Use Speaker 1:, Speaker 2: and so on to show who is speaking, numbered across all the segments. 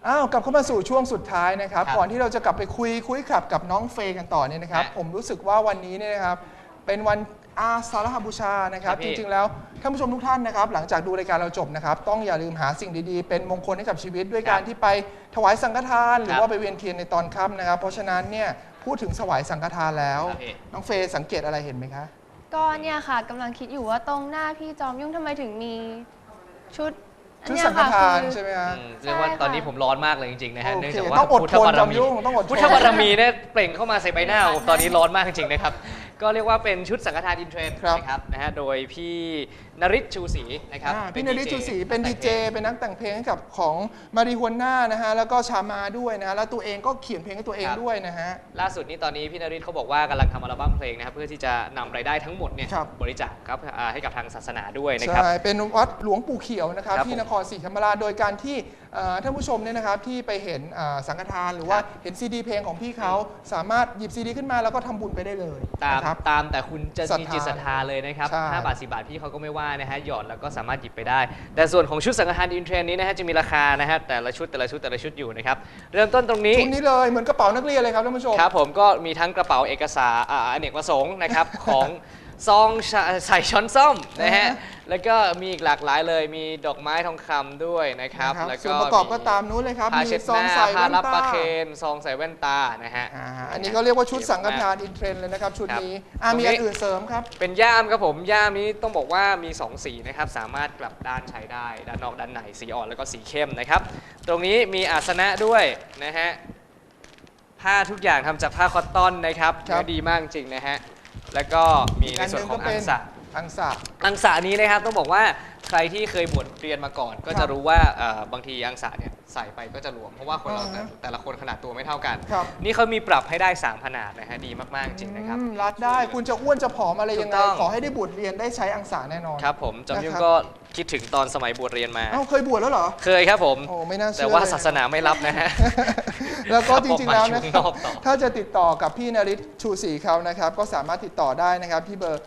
Speaker 1: กลับเข้ามาสู่ช่วงสุดท้ายนะครับก่อนที่เราจะกลับไปคุยขับกับน้องเฟย์กันต่อเนี่ยนะครับผมรู้สึกว่าวันนี้เนี่ยนะครับเป็นวันอาสาฬหบูชานะครับจริงๆแล้วท่านผู้ชมทุกท่านนะครับหลังจากดูรายการเราจบนะครับต้องอย่าลืมหาสิ่งดีๆเป็นมงคลให้กับชีวิตด้วยการที่ไปถวายสังฆทานหรือว่าไปเวียนเทียนในตอนค่ำนะครับเพราะฉะนั้นเนี่ยพูดถึงถวายสังฆทานแล้วน้องเฟย์สังเกตอะไรเห็นไหมคะ
Speaker 2: ก็เนี่ยค่ะกำลังคิดอยู่ว่าตรงหน้าพี่จอมยุ่งทำไมถึงมีชุด
Speaker 1: สังฆทานใช่ไหมฮะ
Speaker 3: เรียกว่าตอนนี้ผมร้อนมากเลยจริงๆนะฮะเนื่องจากว่า
Speaker 1: พุทธบารมี
Speaker 3: พุทธบารมีเนี่ยเปล่งเข้ามาใส่ใบหน้าผมตอนนี้ร้อนมากจริงๆนะครับก็เรียกว่าเป็นชุดสังฆทานอินเทรนด์นะครับนะฮะโดยพี่นฤทธิ์ชูศรีนะครับ
Speaker 1: พี่นฤทธิ์ชูศรีเป็นดีเจเป็นนักแต่งเพลงให้กับของมาริฮวน่านะฮะแล้วก็ชามาด้วยนะฮะแล้วตัวเองก็เขียนเพลงให้ตัวเองด้วยนะฮะ
Speaker 3: ล่าสุดนี้ตอนนี้พี่นฤทธิ์เขาบอกว่ากำลังทำอัลบั้มเพลงนะครับเพื่อที่จะนำรายได้ทั้งหมดเนี่ยบริจาคครับให้กับทางศาสนาด้วยนะครับ
Speaker 1: ใช่เป็นวัดหลวงปู่เขียวนะครับที่นครศรีธรรมราชโดยการที่ท่านผู้ชมเนี่ยนะครับที่ไปเห็นสังฆทานหรือว่าเห็นซีดีเพลงของพี่เขาสามารถหยิบซีดีขึ้นมาแล้วก็ทำบุญไปได้เลย
Speaker 3: ตามแต่คุณจะมีจิตศรัทธาเลยนะครับ5 บาท 10 บาทพี่เขาก็ไม่ว่านะฮะหยอดแล้วก็สามารถหยิบไปได้แต่ส่วนของชุดสังฆทานอินเทรนด์นี้นะฮะจะมีราคานะฮะแต่ละชุดอยู่นะครับเริ่มต้นตรงนี้
Speaker 1: ชุดนี้เลยเหมือนกระเป๋านักเรียนเลยครับท่านผู้ชม
Speaker 3: ครับผมก็มีทั้งกระเป๋าเอกสารอเนกประสงค์นะครับของซองใส่ช้อนส้อมนะฮะแล้วก็มีอีกหลากหลายเลยมีดอกไม้ทองคำด้วยนะครับ
Speaker 1: แล้วก็ส่วนประกอบก็ตามนู้นเลยครับ
Speaker 3: มีซองใส่แว่นตาผ้ารับประเคนซองใส่แว่นตานะฮะ
Speaker 1: อันนี้ก็เรียกว่าชุดสังฆทานอินเทรนด์เลยนะครับชุดนี้มีอันอื่นเสริมครับ
Speaker 3: เป็นย่ามครับผมย่ามนี้ต้องบอกว่ามี2สีนะครับสามารถกลับด้านใช้ได้ด้านนอกด้านในสีอ่อนแล้วก็สีเข้มนะครับตรงนี้มีอาสนะด้วยนะฮะผ้าทุกอย่างทำจากผ้าคอตตอนนะครับดีมากจริงนะฮะแล้วก็มีในส่วนของอังสะนี้นะครับต้องบอกว่าใครที่เคยบวชเรียนมาก่อนก็จะรู้ว่าบางทีอังสะเนี่ยใส่ไปก็จะหลวมเพราะว่าคนเราแต่ละคนขนาดตัวไม่เท่ากันนี่เขามีปรับให้ได้3ขนาดนะฮะดีมากๆจริงนะครับ
Speaker 1: รัดได้คุณจะอ้วนจะผอมอะไรยังไงขอให้ได้บวชเรียนได้ใช้อังสะแน่นอน
Speaker 3: ครับผมจอมยุ่งก็คิดถึงตอนสมัยบวชเรียนมา
Speaker 1: เคยบวชแล้วเหรอ
Speaker 3: เคยครับผม
Speaker 1: โอ้ไม่น่าเชื่อ
Speaker 3: แต่ว่าศาสนาไม่รับนะฮะ
Speaker 1: แล้วก็จริงๆแล้วนะครับถ้าจะติดต่อกับพี่นฤทธิ์ชูศรีเขานะครับก็สามารถติดต่อได้นะครับที่เบอร์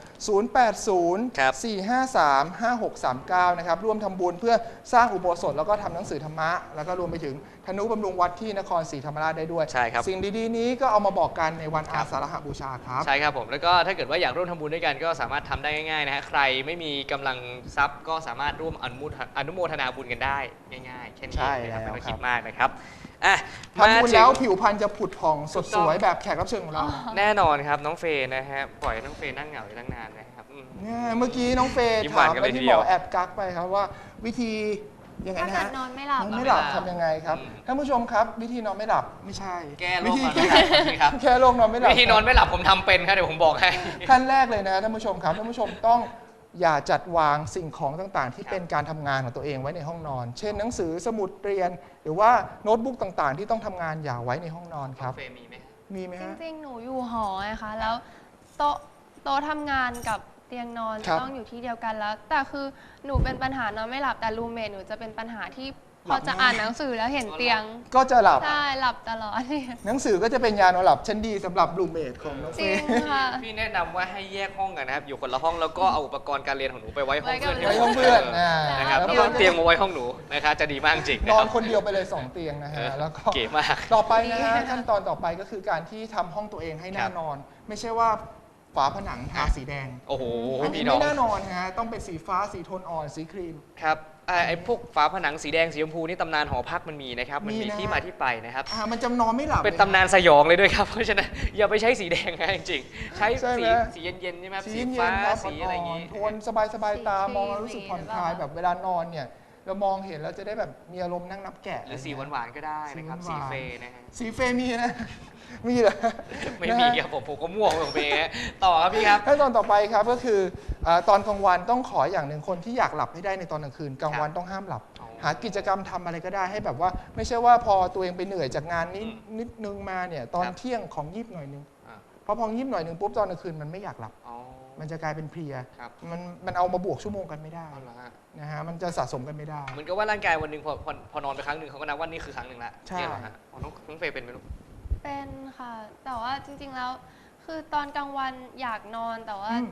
Speaker 1: 0804535639นะครับร่วมทำบุญเพื่อสร้างอุโบสถแล้วก็ทำหนังสือธรรมะแล้วก็รวมไปถึงธนุบำรุงวัดที่นครศรีธรรมราชได้ด้วย
Speaker 3: ใช่ครับ
Speaker 1: สิ่งดีๆนี้ก็เอามาบอกกันในวันอาสาฬหบูชาครับ
Speaker 3: ใช่ครับผมแล้วก็ถ้าเกิดว่าอยากร่วมทำบุญด้วยกันก็สามารถทำได้ง่ายๆนะฮะใครไม่มีกำลังทรัพย์ก็สามารถร่วมอนุโมทนาบุญกันได้ง่ายๆแค่นี้นะครับไม่ต้องคิดมากนะครับ
Speaker 1: ทำบุญแล้วผิวพรรณจะผุดผ่องสดสวยแบบแขกรับเชิญของเรา
Speaker 3: แน่นอนครับน้องเฟย์นะฮะปล่อยน้องเฟย์นั่งเหงาอยู่ตั้งนานนะครับ
Speaker 1: เมื่อกี้น้องเฟย์ถามไปที่หมอแอบกักไปครับว่าวิธียังไงนะฮะ
Speaker 2: นอนไม่หลับ
Speaker 1: ทำยังไงครับท่านผู้ชมครับวิธีนอนไม่หลับไม่ใช่
Speaker 3: แก้โรคนอนไม่หลับครับ
Speaker 1: แค่โรคนอนไม่หลับ
Speaker 3: วิธีนอนไม่หลับผมทำเป็นครับเดี๋ยวผมบอกให้
Speaker 1: ขั้นแรกเลยนะท่านผู้ชมครับท่านผู้ชมต้องอย่าจัดวางสิ่งของต่างๆที่เป็นการทำงานของตัวเองไว้ในห้องนอนเช่นหนังสือสมุดเรียนหรือว่าโน้ตบุ๊กต่างๆที่ต้องทำงานอย่าไว้ในห้องนอนครับมีไหมฮะ
Speaker 2: จริงๆหนูอยู่หอไงคะแล้วโต๊ะทำงานกับเตียงนอนต้องอยู่ที่เดียวกันแล้วแต่คือหนูเป็นปัญหานอนไม่หลับแต่รูมเมทหนูจะเป็นปัญหาที่พอจะอ่านหนังสือแล้วเห็นเตียง
Speaker 1: ก็จะหลับ
Speaker 2: ใช่หลับตลอด
Speaker 1: หนังสือก็จะเป็นยานอนหลับชั้นดีสำหรับรูมเมทของน้องเฟย์
Speaker 3: พี่แนะนำว่าให้แยกห้องกันนะครับอยู่คนละห้องแล้วก็เอาอุปกรณ์การเรียนของหนูไปไว้ห้องเพื่อนนะครับแล้วก็เตียงมาไว้ห้องหนูนะครับจะดีมากจริง
Speaker 1: นอนคนเดียวไปเลย2เตียงนะฮะแล้วก็
Speaker 3: เก๋มาก
Speaker 1: ต่อไปนะฮะขั้นตอนต่อไปก็คือการที่ทำห้องตัวเองให้น่านอนไม่ใช่ว่าฝาผนังทาสีแดง
Speaker 3: โอ้โห
Speaker 1: อันนี้ไม่น่านอนฮะต้องเป็นสีฟ้าสีโทนอ่อนสีครีม
Speaker 3: ครับไอ้พวกฝาผนังสีแดงสีชมพูนี่ตำนานหอพักมันมีนะครับมันมีที่มาที่ไปนะครับ
Speaker 1: มันจำนอนไม่หลับ
Speaker 3: เป็นตำนานสยองเลยด้วยครับเพราะฉะนั้นอย่าไปใช้สีแดงนะจริงๆใช้สีเย็นๆใช่ไหมสีฟ้าสีอะไรอย่างงี้
Speaker 1: โทนสบายๆตามองแล้วรู้สึกผ่อนคลายแบบเวลานอนเนี่ยเรามองเห็นแล้วจะได้แบบมีอารมณ์นั่งนับแกะ
Speaker 3: หรือสีหวานๆก็ได้นะครับสีเฟย์นะฮะ
Speaker 1: สีเฟย์มีนะมีเหรอ
Speaker 3: ไม่มีครับผมก็ม่วงของเฟย์ต่อครับพี่ครับ
Speaker 1: ขั้นตอนต่อไปครับก็คือตอนกลางวันต้องขออย่างหนึ่งคนที่อยากหลับให้ได้ในตอนกลางคืนกลางวันต้องห้ามหลับหากิจกรรมทำอะไรก็ได้ให้แบบว่าไม่ใช่ว่าพอตัวเองไปเหนื่อยจากงานนิดนึงมาเนี่ยตอนเที่ยงของยิบหน่อยนึงพอยิบหน่อยนึงปุ๊บตอนกลางคืนมันไม่อยากหลับมันจะกลายเป็นเพลียมันเอามาบวกชั่วโมงกันไม่ได้นะฮะมันจะสะสมกันไม่ได้
Speaker 3: เหมือนกับว่าร่างกายวันหนึ่งพอนอนไปครั้งหนึ่งเขาก็นับว่านี่คือครั้งหนึ่งละ
Speaker 1: ใช่
Speaker 3: ฮะน้องเฟย์เป็นไหมลูก
Speaker 2: เป็นค่ะแต่ว่าจริงๆแล้วคือตอนกลางวันอยากนอนแต่ว่า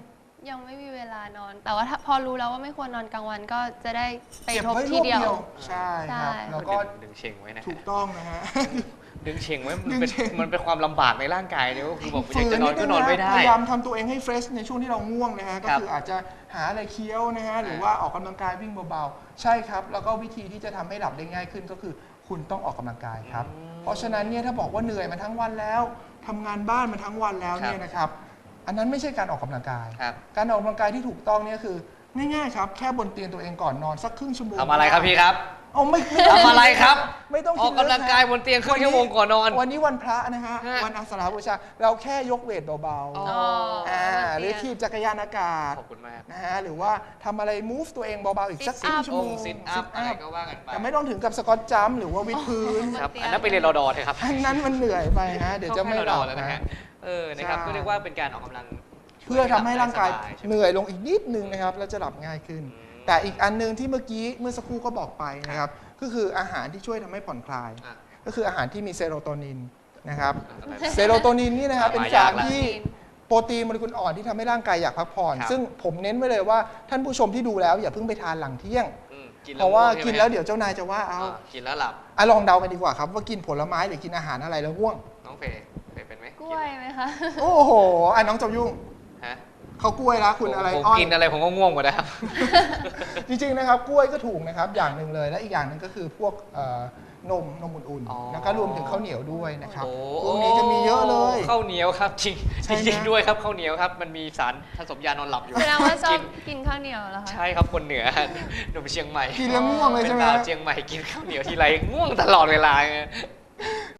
Speaker 2: ยังไม่มีเวลานอน แต่ว่าถ้าพอรู้แล้วว่าไม่ควรนอนกลางวันก็จะได้ไป
Speaker 1: เก็บ
Speaker 2: ทบ
Speaker 1: ไว้
Speaker 2: ที
Speaker 1: รวบ
Speaker 2: เดียว
Speaker 1: เดียวใช่ครับ
Speaker 2: ใช่
Speaker 1: แล้วก็
Speaker 3: ดึงเชงไว้นะ
Speaker 1: ถูกต้องนะฮะ
Speaker 3: ดึงเชงไว้
Speaker 1: ดึงเชง
Speaker 3: มันเป็นความลำบากในร่างกายเนี่ยก็คือบอกอยา
Speaker 1: ฝื
Speaker 3: กจะนอนก็นอนไม่ได้
Speaker 1: พยายามทำตัวเองให้เฟรชในช่วงที่เราง่วงนะฮะก็
Speaker 3: ครับ
Speaker 1: คืออาจจะหาอะไรเคี้ยวนะฮะหรือว่าออกกำลังกายวิ่งเบาๆใช่ครับ แล้วก็วิธีที่จะทำให้หลับได้ง่ายขึ้นก็คือคุณต้องออกกำลังกายครับ เพราะฉะนั้นเนี่ยถ้าบอกว่าเหนื่อยมาทั้งวันแล้วทำงานบ้านมาทั้งวันแล้วเนี่ยนะครับ อันนั้นไม่ใช่การออกกำลังกาย
Speaker 3: ครับ
Speaker 1: การออกกำลังกายที่ถูกต้องเนี่ยคือง่ายๆครับแค่บนเตียงตัวเองก่อนนอนสักครึ่งชั่วโมง
Speaker 3: ทำอะไรครับพี่ครับ
Speaker 1: เอาไม่
Speaker 3: ทำอะไรครับ
Speaker 1: ไม่ต้อง
Speaker 3: อ
Speaker 1: คิ
Speaker 3: อ
Speaker 1: ด
Speaker 3: ก
Speaker 1: เรื่อง
Speaker 3: กำลังกายบนเตียงครึ่งชั่วโมงก่อนนอน
Speaker 1: วันนี้วันพระนะฮะ
Speaker 3: ฮะ
Speaker 1: วันอาสาฬหบูชาเราแค่ยกเวทเบา
Speaker 3: อ๋อ
Speaker 1: หรือถีบจักรยานอากาศ
Speaker 3: ขอบคุณมาก
Speaker 1: นะฮะหรือว่าทำอะไร move ตัวเองเบาๆอีกสัก
Speaker 2: Sit
Speaker 1: ครึ่ง
Speaker 2: up
Speaker 1: ชั่วโมง
Speaker 3: ซิทอัพอะไรก็ว่ากันไป
Speaker 1: แต่ไม่ต้องถึงกับสกอตจัมป์หรือว่าวิดพื้น
Speaker 3: ครับอันนั้นไปเรียนรอดอเถอะครับ
Speaker 1: อันนั้นมันเหนื่อยไปฮะเดี๋ยวจะไม่หลับ
Speaker 3: แล้วนะ
Speaker 1: นะ
Speaker 3: ฮะนะครับ
Speaker 1: ใช่
Speaker 3: ก็เรียกว่าเป็นการออกกำลัง
Speaker 1: เพื่อทำให้ร่างกาย
Speaker 3: สบๆใช่ไหม
Speaker 1: เหนื่อยลงอีกนิดนึงนะครับแล้วจะหลับง่ายขึ้น แต่อีกอันนึงที่เมื่อสักครู่ก็บอกไปนะครับก็คืออาหารที่ช่วยทำให้ผ่อนคลาย
Speaker 3: อ่ะ
Speaker 1: ก็คืออาหารที่มีเซโรโทนินนะครับ
Speaker 3: อะไร
Speaker 1: เซโรโทนินนี่นะครับเป็น
Speaker 3: มา
Speaker 1: สาย
Speaker 3: าร กละ
Speaker 1: ที่โปรตีนโมเลกุลอ่อนที่ทำให้ร่างกายอยากพักผ่อน
Speaker 3: ครับ
Speaker 1: ซึ่งผมเน้นไว้เลยว่าท่านผู้ชมที่ดูแล้วอย่าเพิ่งไปทานหลังเที่ยง
Speaker 3: กิน
Speaker 1: เพราะว่า
Speaker 3: ง่ง
Speaker 1: กิน
Speaker 3: ใช่ไหม
Speaker 1: แล้วเดี๋ยวเจ้านายจะว่าเอา
Speaker 3: กินแล้วหลับ
Speaker 1: ลองเดากันดีกว่าครับว่ากินผลไม้หรือกินอาหารอะไรแล้วง่วง
Speaker 3: น้องเฟย์เป็นไหม
Speaker 2: กล้วยไหมคะ
Speaker 1: โอ้โหน้องจอมยุ่ง
Speaker 3: ฮะ
Speaker 1: เขากล้วยแล้วคุณอะไร
Speaker 3: ผม
Speaker 1: อ้อย
Speaker 3: กินอะไรผมก็ง่วงหมดนะครับ
Speaker 1: จริงๆนะครับกล้วยก็ถูกนะครับอย่างหนึ่งเลยและอีกอย่างหนึ่งก็คือพวกนมอุ่น
Speaker 3: อ๋อ
Speaker 1: ๆแล้วก็รวมถึงข้าวเหนียวด้วยนะครับ
Speaker 3: โอ้
Speaker 1: พวกนี้จะมีเยอะเลย
Speaker 3: ข้าวเหนียวครับจริง
Speaker 1: ใช่
Speaker 3: จริง
Speaker 1: นะ
Speaker 3: ด้วยครับข้าวเหนียวครับมันมีสารผสมยานอนหลับอยู่
Speaker 2: แสดงว่าชอ
Speaker 3: กิ
Speaker 2: บกินข้าวเหนียวเหรอคะ
Speaker 3: ใช่ครับคนเหนือหนุ่มเชียงใหม่
Speaker 1: กินแล้วง่วงเลย
Speaker 3: เป็
Speaker 1: ใช่
Speaker 3: น
Speaker 1: ไหม
Speaker 3: ดาวเชียงใหม่กินข้าวเหนียวทีไรง่วงตลอดเวลา